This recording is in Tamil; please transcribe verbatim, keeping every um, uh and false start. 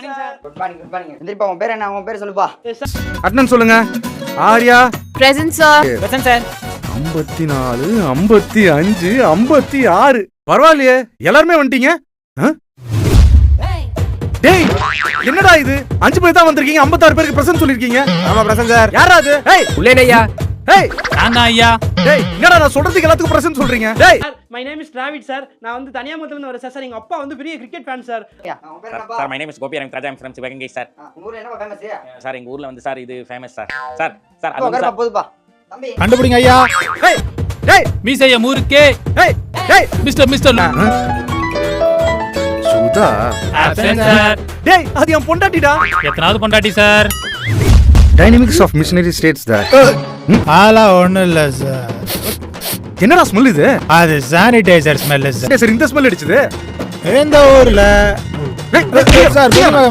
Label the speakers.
Speaker 1: குட் மார்னிங் குட் மார்னிங் எந்திரிப்பா உன் பேர் என்ன உன் பேர் சொல்லுப்பா
Speaker 2: அட்னன் சொல்லுங்க Arya
Speaker 3: present sir
Speaker 4: present sir
Speaker 2: ஐம்பத்தி நாலு ஐம்பத்தி அஞ்சு ஐம்பத்தி ஆறு பரவாயில்லையே எல்லாருமே வந்துட்டீங்க டேய் என்னடா இது அஞ்சு பேர் தான் வந்திருக்கீங்க ஐம்பத்தாறு பேருக்கு பிரசன்ட் சொல்லிருக்கீங்க
Speaker 4: ஆமா பிரசன்ட் சார்
Speaker 2: யாரா அது ஏய்
Speaker 4: உள்ளேனே ஐயா
Speaker 2: ஏய்
Speaker 4: நான் தான் ஐயா
Speaker 2: டேய் என்னடா நான் சொல்றதுக்கு எல்லாத்துக்கும் பிரசன்ட் சொல்றீங்க டேய்
Speaker 5: my name is Dravid sir நான் வந்து தனியாமத்துல இருந்து வரேன் சார் எங்க அப்பா வந்து பெரிய கிரிக்கெட் ஃபேன் சார்
Speaker 1: உன் பேர் என்னப்பா
Speaker 6: sir my name is Gopi I am Raja I am from Sivaganga sir
Speaker 1: உங்க ஊர்ல என்னப்பா ஃபேமஸ்
Speaker 6: சார் எங்க ஊர்ல வந்து சார் இது ஃபேமஸ் சார் சார் சார் அது
Speaker 1: உட்காருப்பா
Speaker 6: சார்
Speaker 1: போதுப்பா தம்பி
Speaker 2: கண்டுபிடிங்க ஐயா டேய் டேய்
Speaker 4: மீசைய முறுக்கே
Speaker 2: டேய் டேய்
Speaker 4: mister mister
Speaker 2: Sudha
Speaker 4: absent sir
Speaker 2: டேய் அது என் பொண்டாட்டிடா
Speaker 4: எத்தனாவது பொண்டாட்டி sir
Speaker 2: dynamics of missionary states that
Speaker 7: ஆளா ஒண்ணும் இல்ல சார்.
Speaker 2: என்னடா ஸ்மெல் இது
Speaker 7: அது சானிடைசர் ஸ்மெல் சார்.
Speaker 2: சரி இந்த ஸ்மெல் அடிச்சது
Speaker 7: எந்த ஊர்ல
Speaker 2: டேய்
Speaker 7: சார்